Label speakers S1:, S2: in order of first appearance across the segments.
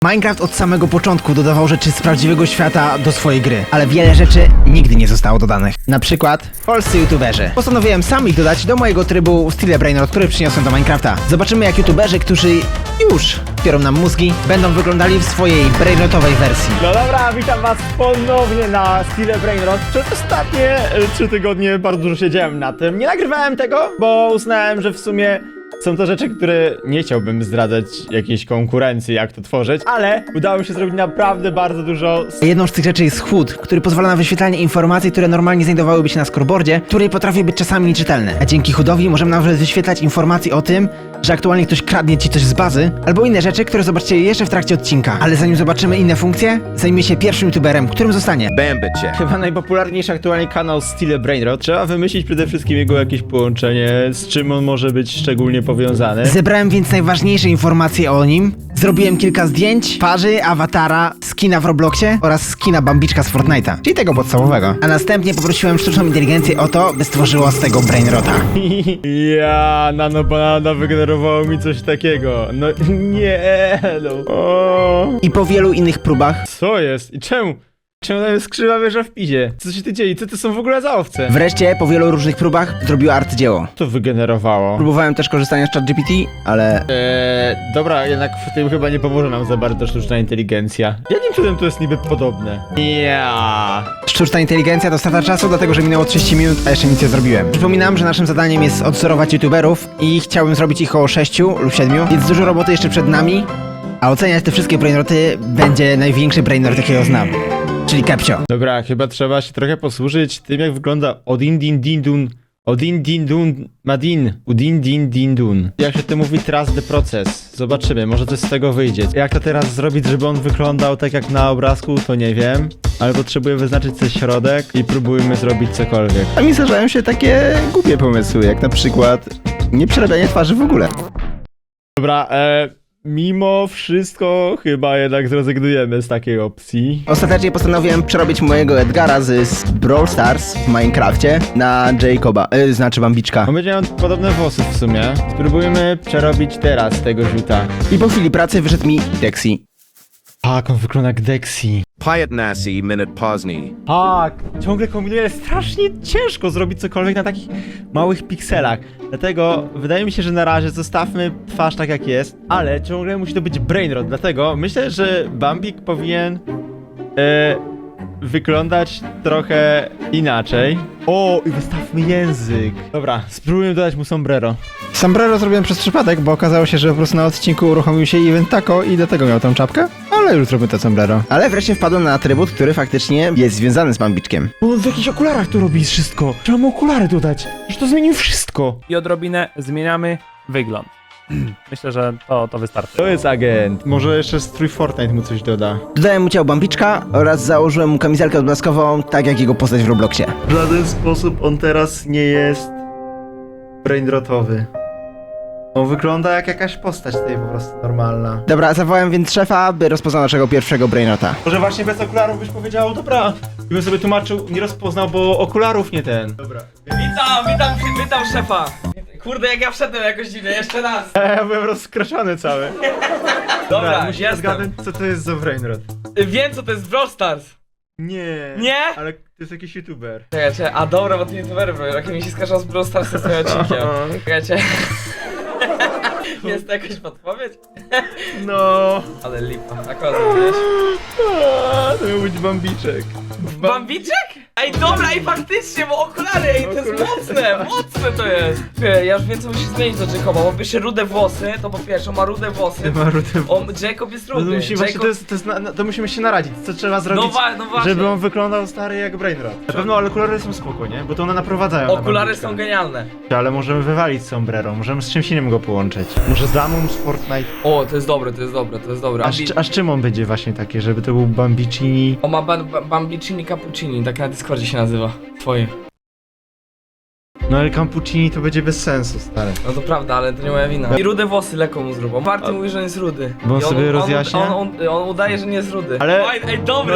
S1: Minecraft od samego początku dodawał rzeczy z prawdziwego świata do swojej gry, ale wiele rzeczy nigdy nie zostało dodanych. Na przykład polscy youtuberzy. Postanowiłem sam ich dodać do mojego trybu Stile Brainrot, który przyniosłem do Minecrafta. Zobaczymy, jak youtuberzy, którzy już biorą nam mózgi, będą wyglądali w swojej brainrotowej wersji.
S2: No dobra, witam was ponownie na Stile Brainrot. Przez ostatnie 3 tygodnie bardzo dużo siedziałem na tym. Nie nagrywałem tego, bo uznałem, że w sumie są to rzeczy, które nie chciałbym zdradzać jakiejś konkurencji, jak to tworzyć, ale udało mi się zrobić naprawdę bardzo dużo.
S1: Jedną z tych rzeczy jest HUD, który pozwala na wyświetlanie informacji, które normalnie znajdowałyby się na scoreboardzie, które potrafi być czasami nieczytelne. A dzięki HUDowi możemy nawet wyświetlać informacje o tym, że aktualnie ktoś kradnie ci coś z bazy, albo inne rzeczy, które zobaczycie jeszcze w trakcie odcinka. Ale zanim zobaczymy inne funkcje, zajmie się pierwszym youtuberem, którym zostanie
S3: Bambicie.
S2: Chyba najpopularniejszy aktualnie kanał Stile Brainrot. Trzeba wymyślić przede wszystkim jego jakieś połączenie, z czym on może być szczególnie powiązany.
S1: Zebrałem więc najważniejsze informacje o nim. Zrobiłem kilka zdjęć, twarzy, awatara, skina w Robloxie oraz skina Bambiczka z Fortnite'a, czyli tego podstawowego. A następnie poprosiłem sztuczną inteligencję o to, by stworzyło z tego Brainrota.
S2: Ja, Nano Banana wygenerowało mi coś takiego. No nie, no. O.
S1: I po wielu innych próbach
S2: Co jest? I czemu? Czemu tam jest krzywa wieża w pizie? Co się tu dzieje? Co to są w ogóle za owce?
S1: wreszcie po wielu różnych próbach zrobił arcydzieło.
S2: To wygenerowało.
S1: Próbowałem też korzystania z ChatGPT, ale
S2: Dobra, jednak w tym chyba nie pomoże nam za bardzo sztuczna inteligencja. Jakim cudem to jest niby podobne? Ja.
S1: sztuczna inteligencja to strata czasu, dlatego że minęło 30 minut, a jeszcze nic nie zrobiłem. Przypominam, że naszym zadaniem jest odzorować youtuberów i chciałbym zrobić ich około 6 lub 7, więc dużo roboty jeszcze przed nami, a oceniać te wszystkie brainroty będzie największy brainrot, jakiego znam, czyli Kepcio.
S2: Dobra, chyba trzeba się trochę posłużyć tym, jak wygląda Odin Din Din Dun. Odin Din Dun Madin. Udin Din Din Dun. Jak się to mówi, trust the process. Zobaczymy, może coś z tego wyjdzie. Jak to teraz zrobić, żeby on wyglądał tak jak na obrazku, to nie wiem. Ale potrzebuję wyznaczyć sobie środek i próbujmy zrobić cokolwiek.
S1: A mi zdarzają się takie głupie pomysły, jak na przykład nie przerabianie twarzy w ogóle.
S2: Dobra, mimo wszystko chyba jednak zrezygnujemy z takiej opcji.
S1: Ostatecznie postanowiłem przerobić mojego Edgara z Brawl Stars w Minecrafcie na Jacoba, znaczy Bambiczka.
S2: On będzie miał podobne włosy w sumie. Spróbujmy przerobić teraz tego żółta.
S1: I po chwili pracy wyszedł mi Dexy.
S2: Tak, on wygląda jak Dexy.
S3: Payet Nasi Minute Posny.
S2: Tak, ciągle kombinuję, strasznie ciężko zrobić cokolwiek na takich małych pikselach. Dlatego wydaje mi się, że na razie zostawmy twarz tak jak jest, ale ciągle musi to być brainrot, dlatego myślę, że Bambik powinien wyglądać trochę inaczej. O, i wystawmy język. Dobra, spróbujmy dodać mu sombrero.
S1: Sombrero zrobiłem przez przypadek, bo okazało się, że po prostu na odcinku uruchomił się event Taco i dlatego miał tą czapkę, ale już zrobię to sombrero. Ale wreszcie wpadłem na atrybut, który faktycznie jest związany z Bambiczkiem.
S2: On w jakichś okularach to robi wszystko. Trzeba mu okulary dodać, że to zmienił wszystko.
S4: I odrobinę zmieniamy wygląd. Myślę, że to wystarczy.
S2: To jest agent. Może jeszcze strój Fortnite mu coś doda.
S1: Dodałem mu ciało Bambiczka oraz założyłem mu kamizelkę odblaskową, tak jak jego postać w Robloxie.
S2: W żaden sposób on teraz nie jest brainrotowy. On wygląda jak jakaś postać tutaj po prostu normalna.
S1: Dobra, zawołałem więc szefa, by rozpoznał naszego pierwszego brainrota.
S2: Może właśnie bez okularów byś powiedział, dobra. I bym sobie tłumaczył, nie rozpoznał, bo okularów nie ten. Dobra.
S5: Witam szefa! Kurde, jak ja wszedłem jakoś dziwnie, jeszcze raz!
S2: Ja byłem rozkroczony cały.
S5: Dobra,
S2: musisz
S5: jestem.
S2: zgadnąć, co to jest za brainrot.
S5: Wiem co to jest Brawl Stars!
S2: Nie.
S5: Nie?
S2: Ale to jest jakiś youtuber.
S5: Czekajcie, a dobra, bo to youtubery robią, jak mi się skarżą z Brawl Stars z tym odcinkiem. Czekajcie. Jest to jakaś podpowiedź?
S2: No.
S5: Ale lipa, akurat zrobiłeś.
S2: To miał być Bambiczek.
S5: Bambiczek? Ej, dobra, i faktycznie, bo okulary, ej, to jest mocne to jest. Ja już wiem co musi zmienić do Jacoba, bo pierwsze rude włosy, to po pierwsze, on ma rude włosy. On, Jacob jest
S2: No
S5: rudy.
S2: właśnie, to musimy się naradzić, co trzeba zrobić,
S5: No właśnie.
S2: żeby on wyglądał stary jak brainrot. Na pewno, ale okulary są spoko, nie? Bo to one naprowadzają na
S5: Okulary
S2: Bambiczka.
S5: są genialne.
S2: Ale możemy wywalić sombrero, możemy z czymś innym go połączyć. Może z Lamą z Fortnite.
S5: O, to jest dobre.
S2: A z czym on będzie właśnie takie, żeby to był Bambicini?
S5: On ma Bambicini Cappuccini, tak na Discordzie się nazywa. Twoje.
S2: No ale Campuccini to będzie bez sensu, stary.
S5: No to prawda, ale to nie moja wina. I rude włosy lekko mu zrobią. Marty mówi, że on jest rudy.
S2: Bo on
S5: I
S2: sobie rozjaśnia?
S5: On udaje, że nie jest rudy.
S2: Ale-
S5: Ej, dobre.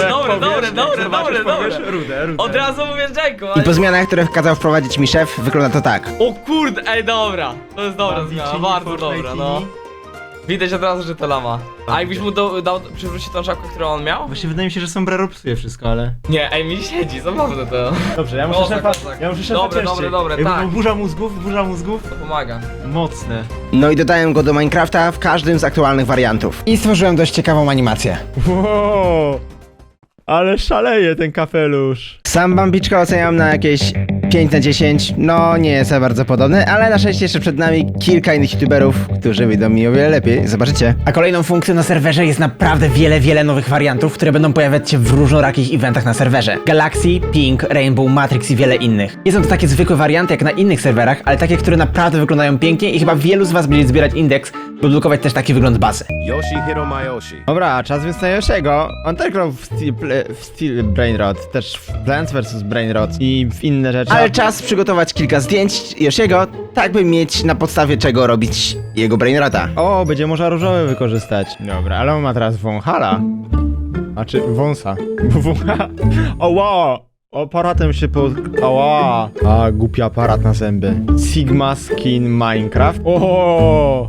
S2: Rude.
S5: Od razu mówię Jacob,
S1: I po zmianach, które kazał wprowadzić mi szef, wygląda to tak.
S5: O kurde, ej dobra. To jest dobra zmiana, bardzo dobra, no. Widać od razu, że to lama. A jakbyś mu dał przywrócić tą czapkę, którą on miał?
S2: Właśnie wydaje mi się, że sombrero psuje wszystko, ale...
S5: Nie, ej, mi siedzi, zabawne to.
S2: Dobrze, ja muszę
S5: Kozak,
S2: szefa...
S5: kozak.
S2: Ja muszę szefa
S5: Dobre,
S2: cieszczyć.
S5: dobre,
S2: Ej, bo
S5: tak.
S2: Burza mózgów.
S5: To pomaga.
S2: Mocne.
S1: No i dodałem go do Minecrafta w każdym z aktualnych wariantów. I stworzyłem dość ciekawą animację.
S2: Wow, ale szaleje ten kapelusz.
S1: Sam Bambiczka oceniam na jakieś 5 na 10. No, nie jest za bardzo podobny, ale na szczęście jeszcze przed nami kilka innych youtuberów, którzy wyjdą mi o wiele lepiej. Zobaczycie. A kolejną funkcją na serwerze jest naprawdę wiele nowych wariantów, które będą pojawiać się w różnorakich eventach na serwerze. Galaxy, Pink, Rainbow, Matrix i wiele innych. Nie są to takie zwykłe warianty jak na innych serwerach, ale takie, które naprawdę wyglądają pięknie i chyba wielu z was będzie zbierać indeks, by odblokować też taki wygląd bazy.
S3: Yoshihiro Mayoshi.
S2: Dobra, czas więc na Yoshiego. On też grał w Steel Brainrot, też w Plants vs. Brainrot i w inne rzeczy.
S1: Ale czas przygotować kilka zdjęć Yoshiego, tak by mieć na podstawie czego robić jego Brainrota.
S2: O, będzie można różowy wykorzystać. Dobra, ale on ma teraz wąchala. Znaczy, wąsa. Wącha. O, wow! Aparatem się pod... Ała! A, głupi aparat na zęby. Sigma Skin Minecraft. O!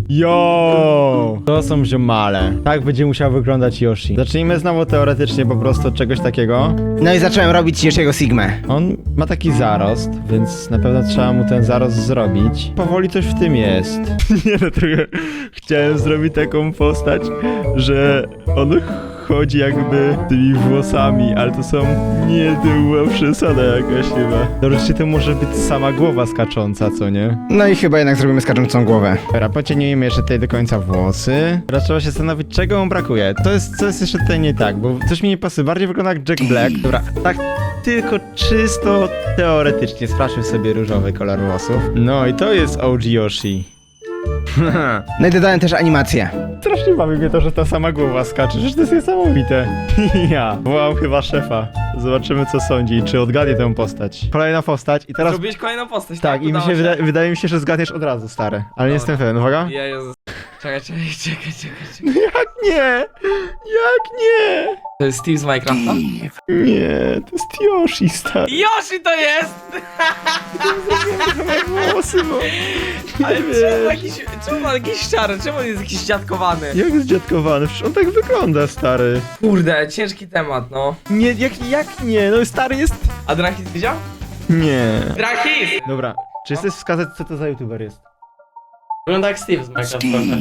S2: Jo! To są ziomale. Tak będzie musiał wyglądać Yoshi. Zacznijmy znowu teoretycznie po prostu od czegoś takiego.
S1: No i zacząłem robić Yoshiego Sigmę.
S2: On ma taki zarost, więc na pewno trzeba mu ten zarost zrobić. Powoli coś w tym jest. Nie no, trochę chciałem zrobić taką postać, że on chodzi jakby tymi włosami, ale to są... Nie, to była przesada jakaś chyba. Teoretycznie to może być sama głowa skacząca, co nie?
S1: No i chyba jednak zrobimy skaczącą głowę.
S2: Dobra, pocieniujemy jeszcze tutaj do końca włosy. Teraz trzeba się zastanowić, czego mu brakuje. Co jest jeszcze tutaj nie tak, bo coś mi nie pasuje. Bardziej wygląda jak Jack Black. Dobra, tak tylko czysto teoretycznie sprawdźmy sobie różowy kolor włosów. No i to jest OG Yoshi.
S1: No i dodałem też animację.
S2: Strasznie bawi mnie to, że ta sama głowa skacze, że to jest niesamowite. Ja wołam chyba szefa. Zobaczymy co sądzi i czy odgadnie tę postać. Kolejna postać i teraz...
S5: Zrobiłeś kolejną postać,
S2: Tak, i mi
S5: Udało
S2: się wydaje mi się, że zgadniesz od razu, stary. Ale nie
S5: Dobra.
S2: jestem pewien, uwaga.
S5: Ja Jezus. Czekaj.
S2: Jak nie? Jak nie?
S5: To jest Steve z Minecrafta?
S2: Nie, to jest Yoshi, stary.
S5: Yoshi to jest!
S2: Włosy, no.
S5: Ale
S2: Nie
S5: czemu on jakiś szary? Czemu on jest jakiś dziadkowany?
S2: Jak jest dziadkowany? Przecież on tak wygląda, stary.
S5: Kurde, ciężki temat, no.
S2: Nie, jak nie? No stary jest...
S5: A Drachis widział?
S2: Nie.
S5: Drachis!
S2: Dobra, czy chcesz wskazać, co to za youtuber jest?
S4: Wygląda jak Steve z Minecraft trochę.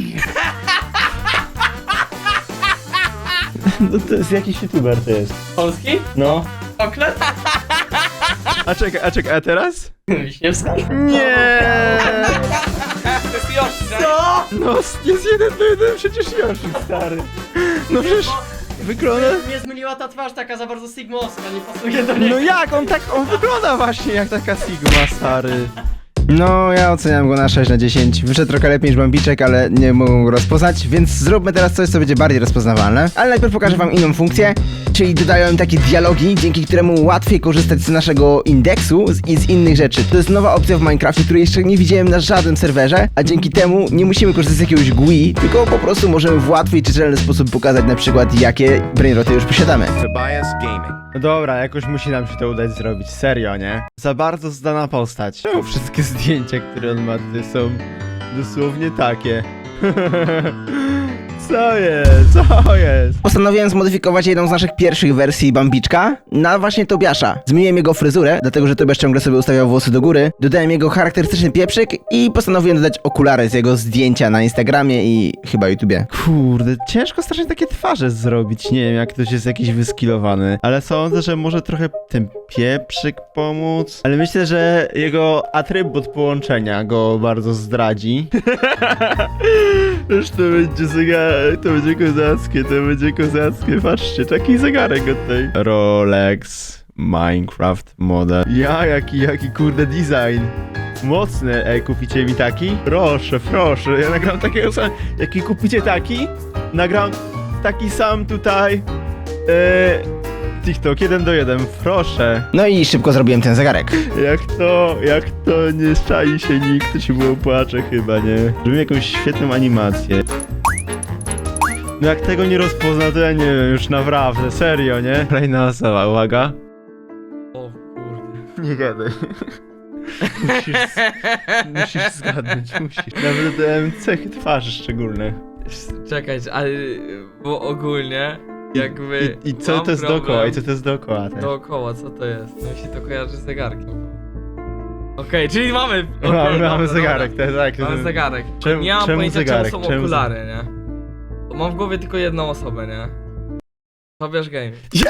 S2: No to jest jakiś youtuber to jest.
S4: Polski?
S2: No.
S4: Oklet?
S2: A czekaj, a teraz?
S4: Wiśniewski?
S2: Nie.
S5: To jest Yoshi, tak?
S4: Co?
S2: No, jest 1:1 przecież Yoshi, stary. No przecież wygląda...
S4: Mnie zmyliła ta twarz taka za bardzo Sigmowska, nie pasuje do niego.
S2: No jak? On wygląda właśnie jak taka Sigma, stary.
S1: No, ja oceniam go na 6 na 10. Wyszedł trochę lepiej niż Bambiczek, ale nie mógł go rozpoznać, więc zróbmy teraz coś, co będzie bardziej rozpoznawalne. Ale najpierw pokażę wam inną funkcję, czyli dodałem takie dialogi, dzięki któremu łatwiej korzystać z naszego indeksu i z innych rzeczy. To jest nowa opcja w Minecrafcie, której jeszcze nie widziałem na żadnym serwerze, a dzięki temu nie musimy korzystać z jakiegoś GUI, tylko po prostu możemy w łatwy i czytelny sposób pokazać na przykład, jakie brainroty już posiadamy.
S3: Tobias Gaming.
S2: No dobra, jakoś musi nam się to udać zrobić, serio, nie? Za bardzo zdana postać. Czemu wszystkie zdjęcia, które on ma tutaj są dosłownie takie? Co jest?
S1: Postanowiłem zmodyfikować jedną z naszych pierwszych wersji Bambiczka na właśnie Tobiasza. Zmieniłem jego fryzurę, dlatego że Tobiasz ciągle sobie ustawiał włosy do góry, dodałem jego charakterystyczny pieprzyk i postanowiłem dodać okulary z jego zdjęcia na Instagramie i chyba YouTubie.
S2: Kurde, ciężko strasznie takie twarze zrobić, nie wiem jak ktoś jest jakiś wyskilowany, ale sądzę, że może trochę ten pieprzyk pomóc, ale myślę, że jego atrybut połączenia go bardzo zdradzi. Już to będzie to będzie kozackie, patrzcie, taki zegarek od tej. Rolex Minecraft model. Jaki kurde design. Mocny, ej, kupicie mi taki? Proszę, ja nagram takiego samego. Jaki kupicie taki? Nagram taki sam tutaj. TikTok 1:1, proszę.
S1: No i szybko zrobiłem ten zegarek.
S2: Jak to nie czai się nikt, to się było płacze chyba, nie? Zrobiłem jakąś świetną animację. No jak tego nie rozpozna, to ja nie wiem, już naprawdę, serio, nie? Kolejna osoba, uwaga.
S5: O kurde.
S2: Nie gadaj. Musisz zgadnąć, musisz. Nawet dałem cechy twarzy szczególne.
S5: Czekaj, ale... Bo ogólnie... Jakby...
S2: I co
S5: mam
S2: to jest
S5: problem.
S2: dookoła? I co to jest dookoła? Tak?
S5: Dookoła, co to jest? No mi się to kojarzy z zegarkiem. Okej, czyli mamy...
S2: Mamy zegarek, to jest tak.
S5: Mamy zegarek.
S2: Czemu-
S5: Nie mam
S2: czemu
S5: pojęcia,
S2: zegarek?
S5: czemu są
S2: Czemu
S5: okulary, nie? Bo mam w głowie tylko jedną osobę, nie? Tobiasz Game.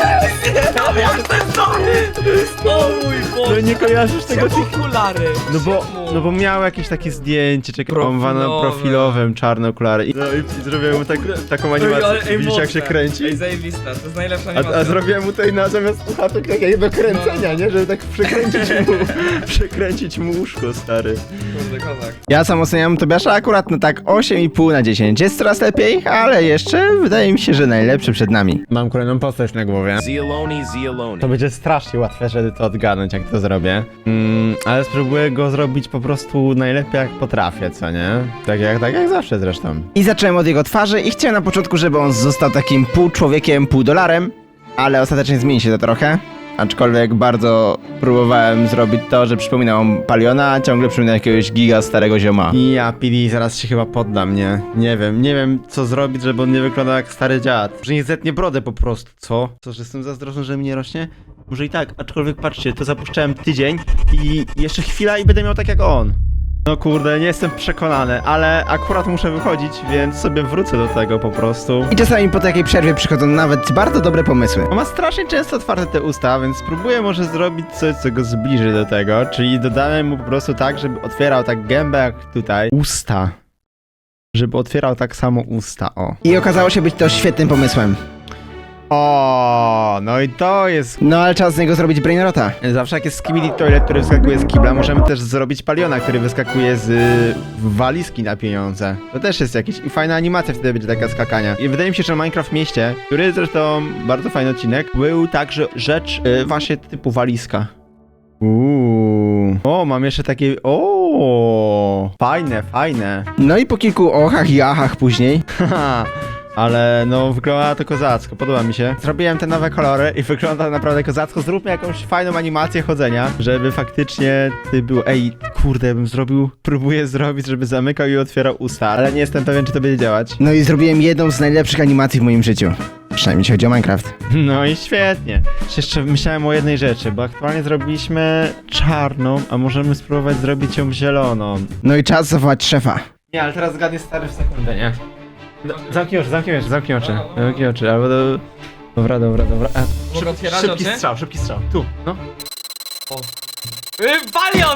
S5: O mój Boże!
S2: No nie kojarzysz tego
S5: Czemu okulary?
S2: No bo miał jakieś takie zdjęcie, czekaj,
S5: Profilowe.
S2: profilowym, czarne okulary. No i zrobiłem mu taką animację, widzisz jak się
S5: mocne.
S2: kręci?
S5: Ej, zajebista, to jest najlepsza animacja.
S2: A zrobiłem mu tutaj zamiast słuchawek takie do kręcenia, nie? Żeby tak przekręcić mu łóżko, stary.
S5: Kurde, kozak.
S1: Ja sam oceniam Tobiasza akurat na tak 8,5 na 10. Jest coraz lepiej, ale jeszcze wydaje mi się, że najlepszy przed nami. Mam kolejną postać na głowie.
S3: Zieloni, Zieloni.
S2: To będzie strasznie łatwe, żeby to odgadnąć, jak to zrobię. Ale spróbuję go zrobić po prostu najlepiej jak potrafię, co nie? Tak jak zawsze zresztą.
S1: I zacząłem od jego twarzy i chciałem na początku, żeby on został takim pół człowiekiem, pół dolarem, ale ostatecznie zmieni się to trochę. Aczkolwiek bardzo próbowałem zrobić to, że przypominał on Paliona, a ciągle przypominał jakiegoś giga starego zioma.
S2: I ja, PD, zaraz się chyba poddam, nie? Nie wiem co zrobić, żeby on nie wyglądał jak stary dziad. Że nie zetnie brodę po prostu, co? Co, że jestem zazdrosny, że mi nie rośnie? Może i tak, aczkolwiek patrzcie, to zapuszczałem tydzień i jeszcze chwila i będę miał tak jak on. No kurde, nie jestem przekonany, ale akurat muszę wychodzić, więc sobie wrócę do tego po prostu.
S1: I czasami po takiej przerwie przychodzą nawet bardzo dobre pomysły.
S2: On ma strasznie często otwarte te usta, więc spróbuję może zrobić coś, co go zbliży do tego, czyli dodałem mu po prostu tak, żeby otwierał tak gębę jak tutaj. Usta. Żeby otwierał tak samo usta, o.
S1: I okazało się być to świetnym pomysłem.
S2: O, no i to jest...
S1: No ale czas z niego zrobić Brainrota.
S2: Zawsze jak jest Skibidi Toilet, który wyskakuje z kibla, możemy też zrobić Paliona, który wyskakuje z walizki na pieniądze. To też jest jakieś... I fajna animacja wtedy będzie taka skakania. I wydaje mi się, że Minecraft Mieście, który jest zresztą bardzo fajny odcinek, był także rzecz właśnie typu walizka. O, mam jeszcze takie... O, fajne.
S1: No i po kilku ochach i achach później.
S2: Haha. Ale no wygląda to kozacko, podoba mi się. Zrobiłem te nowe kolory i wygląda naprawdę kozacko. Zróbmy jakąś fajną animację chodzenia, żeby faktycznie było... Ej, kurde, bym zrobił... Próbuję zrobić, żeby zamykał i otwierał usta, ale nie jestem pewien, czy to będzie działać.
S1: No i zrobiłem jedną z najlepszych animacji w moim życiu. Przynajmniej jeśli chodzi o Minecraft.
S2: No i świetnie. Jeszcze myślałem o jednej rzeczy, bo aktualnie zrobiliśmy czarną, a możemy spróbować zrobić ją zieloną.
S1: No i czas zawołać szefa.
S2: Nie, ale teraz zgadnie stary w sekundę, nie? Zamknij oczy, albo do... Dobra.
S5: Mogę otwierać
S2: Szybki
S5: oczy?
S2: strzał. Tu, no.
S5: Palion!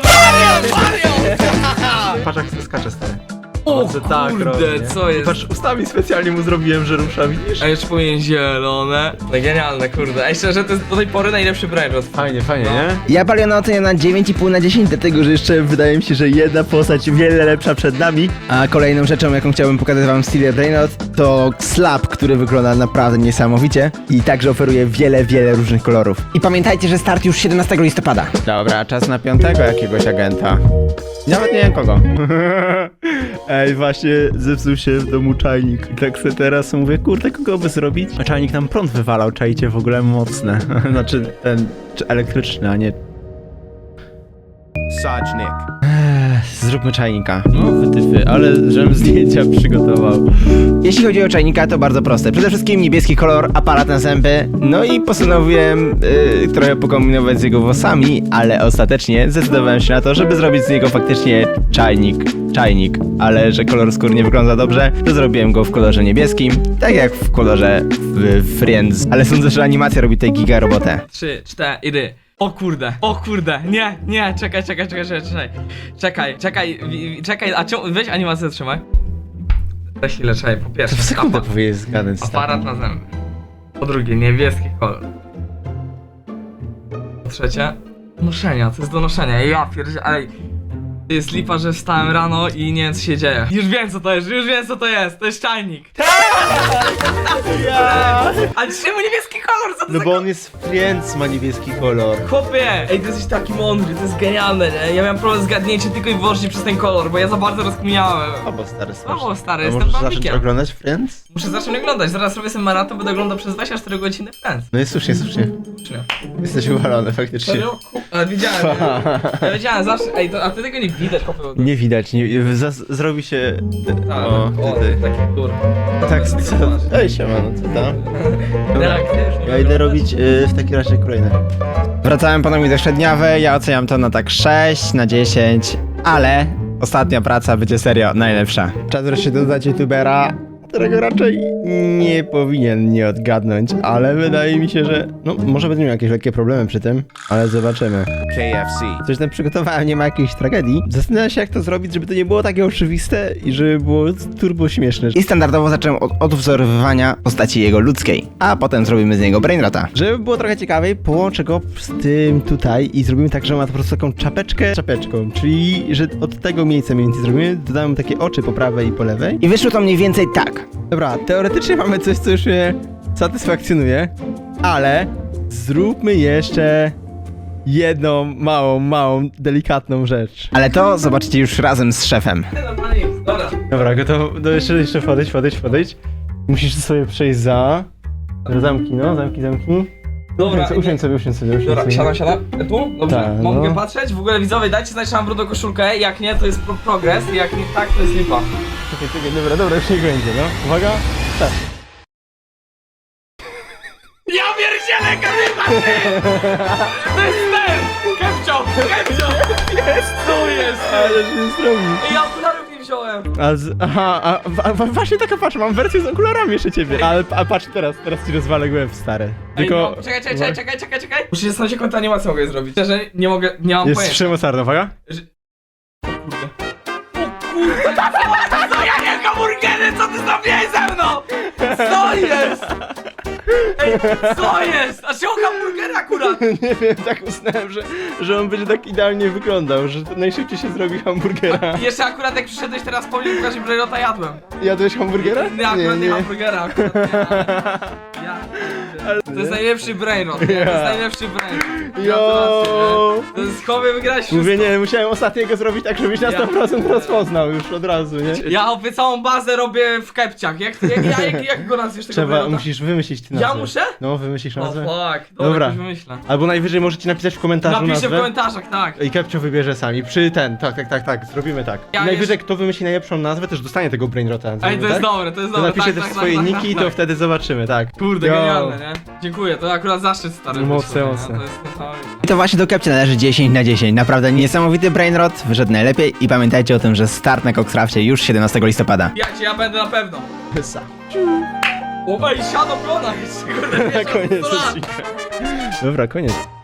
S2: Patrz jak skacze, stary.
S5: O
S2: Co tak
S5: kurde,
S2: robi, nie?
S5: co jest?
S2: Patrz, ustami specjalnie mu zrobiłem, że rusza, widzisz?
S5: A jeszcze powinien zielone. No genialne, kurde. Ej, szczerze, to jest do tej pory najlepszy brainrot.
S2: Fajnie,
S5: No.
S2: nie?
S1: Ja Paliona oceniam na 9,5 na 10, dlatego że jeszcze wydaje mi się, że jedna postać wiele lepsza przed nami. A kolejną rzeczą, jaką chciałbym pokazać wam w stylu Brainrot, to Slap, który wygląda naprawdę niesamowicie i także oferuje wiele różnych kolorów. I pamiętajcie, że start już 17 listopada.
S2: Dobra, czas na 5. jakiegoś agenta. Nawet nie wiem kogo. Ej, właśnie zepsuł się w domu czajnik. I tak sobie teraz mówię, kurde, kogo by zrobić? A czajnik nam prąd wywalał, czajcie w ogóle mocne. Znaczy ten elektryczny, a nie...
S3: Sajnik.
S2: Zróbmy czajnika. No wytyfy, ale żem zdjęcia przygotował.
S1: Jeśli chodzi o czajnika, to bardzo proste. Przede wszystkim niebieski kolor, aparat na zęby, no i postanowiłem trochę pokombinować z jego włosami, ale ostatecznie zdecydowałem się na to, żeby zrobić z niego faktycznie czajnik, ale że kolor skóry nie wygląda dobrze, to zrobiłem go w kolorze niebieskim, tak jak w kolorze Friends, ale sądzę, że animacja robi tutaj giga robotę.
S5: 3, 4. O kurde, nie, czekaj, a weź animację trzymaj. Za chwilę, czekaj, po pierwsze,
S2: To w sekundę powinien zgadnąć.
S5: aparat na zęby. Po drugie, niebieski kolor. Po trzecie, noszenia, to jest do noszenia, ja pierdzie, ej. Jest lipa, że wstałem rano i nie wiem co się dzieje. Już wiem co to jest, to jest czajnik. Ale czemu niebieski kolor, co to
S2: No
S5: za
S2: bo on jest Friends, ma niebieski kolor.
S5: Chłopie! Ej, ty jesteś taki mądry, to jest genialne, nie? Ja miałem problem z zgadnięciem tylko i wyłącznie przez ten kolor, bo ja za bardzo rozkminiałem.
S2: Albo stary,
S5: O, stary,
S2: A
S5: jestem
S2: możesz zacząć
S5: bambikiem.
S2: oglądać Friends?
S5: Muszę zacząć oglądać, zaraz robię sobie maraton, będę oglądał przez 24 godziny Friends.
S2: No jest słusznie, słusznie.
S5: Czy nie?
S2: Jesteś uwalony, faktycznie.
S5: Serio? Ale widziałem, ja wiedziałem zawsze, ej, a ty tego nie widać, chłopie.
S2: Nie widać, zrobi się...
S5: Tak,
S2: O, ty.
S5: taki tur.
S2: Tak, co? Ej, siema, no co tam?
S5: Tak, też nie
S2: Ja idę robić w takim razie kolejne.
S1: Wracałem ponownie do średniowej, ja oceniam to na tak 6 na 10, ale ostatnia praca będzie serio najlepsza. Czas wreszcie dodać youtubera, którego raczej nie powinien nie odgadnąć, ale wydaje mi się, że no może będę miał jakieś lekkie problemy przy tym, ale zobaczymy.
S3: KFC.
S1: Coś tam przygotowałem, nie ma jakiejś tragedii. Zastanawiam się jak to zrobić, żeby to nie było takie oczywiste i żeby było turbo śmieszne. I standardowo zacząłem od odwzorowywania postaci jego ludzkiej, a potem zrobimy z niego brainrota. Żeby było trochę ciekawiej, połączę go z tym tutaj i zrobimy tak, że ma po prostu taką czapeczką, czyli że od tego miejsca mniej więcej zrobimy, dodamy takie oczy po prawej i po lewej. I wyszło to mniej więcej tak. Dobra, teoretycznie mamy coś, co już mnie satysfakcjonuje, ale zróbmy jeszcze jedną małą, delikatną rzecz. Ale to zobaczycie już razem z szefem.
S5: Normalnie jest, dobra.
S2: Dobra, gotowo. No jeszcze podejdź. Musisz sobie przejść za... Zamki, no, zamki.
S5: Dobra,
S2: Usiądź sobie.
S5: Dobra, siadam. Tu? Dobrze?
S2: Tak,
S5: Mogę
S2: no.
S5: patrzeć? W ogóle widzowie, dajcie znać, czy mam brudną koszulkę, jak nie, to jest progres, jak nie tak, to jest lipa.
S2: Czekaj, dobra, już nie będzie, no. Uwaga, tak.
S5: Ja pierdzielę, karyba, ty! To jest ten! Kepcio! Jest, co jest?
S2: Ale się zrobi.
S5: Ej, ja okularów nie wziąłem.
S2: Właśnie taka patrz, mam wersję z okularami jeszcze ciebie. A patrz teraz ci rozwalę głęb, stary.
S5: Ej,
S2: Tylko...
S5: no, czekaj. Muszę się zastanowić, jaką tę animację mogę zrobić. Szczerze, nie mogę, nie mam
S2: Jest
S5: pojęcia.
S2: przemocarna, uwaga.
S5: Kurde. Co ja nie hamburgery, co ty zrobiłeś ze mną? Co jest? Ej, co jest? A czemu hamburger akurat?
S2: Nie wiem, tak uznałem, że on będzie tak idealnie wyglądał, że to najszybciej się zrobi hamburgera.
S5: I jeszcze akurat jak przyszedłeś teraz po mnie, pokaż mi Brainrota, jadłem.
S2: Jadłeś hamburgera?
S5: Nie, akurat nie hamburgera, akurat nie. Ja. To jest najlepszy Brainrot, nie? To jest najlepszy Brainrot.
S2: Jo!
S5: To jest chowy, wygrałeś wszystko.
S2: Mówię, nie, musiałem ostatniego zrobić tak, żebyś na 100% rozpoznał już od razu, nie?
S5: Ja opie całą bazę robię w kepciach. Jak go nazwiesz tego
S2: Trzeba,
S5: Brainrota?
S2: musisz wymyślić ty nazwę.
S5: Ja muszę?
S2: No, wymyślisz
S5: O
S2: nazwę.
S5: fuck,
S2: Dobra.
S5: dobra, już wymyślę.
S2: Albo najwyżej możecie napisać w komentarzu
S5: Napiszę w
S2: nazwę.
S5: komentarzach, tak.
S2: I Kepcio wybierze sami. Tak, zrobimy tak.
S5: Ja
S2: Najwyżej kto wymyśli najlepszą nazwę, też dostanie tego Brainrota.
S5: Ej,
S2: Zrobimy
S5: to jest
S2: tak?
S5: dobre, to jest
S2: To
S5: dobre.
S2: napisze
S5: tak,
S2: też swoje niki i to wtedy zobaczymy, tak.
S5: Kurde,
S2: Jo.
S5: genialne, nie? Dziękuję, to akurat zaszczyt stary.
S2: Mocne,
S5: wyszło,
S2: mocne.
S5: nie? To jest niesamowite.
S1: I to właśnie do Kepcia należy 10 na 10. Naprawdę niesamowity brainrot, wyszedł najlepiej i pamiętajcie o tym, że start na Coxcrafcie już 17 listopada.
S5: Ja będę na pewno.
S2: Pysa.
S5: O, ej, siano piona jeszcze, kurde.
S2: Koniec
S5: wiesz, co?
S2: odcinka. Dobra, koniec.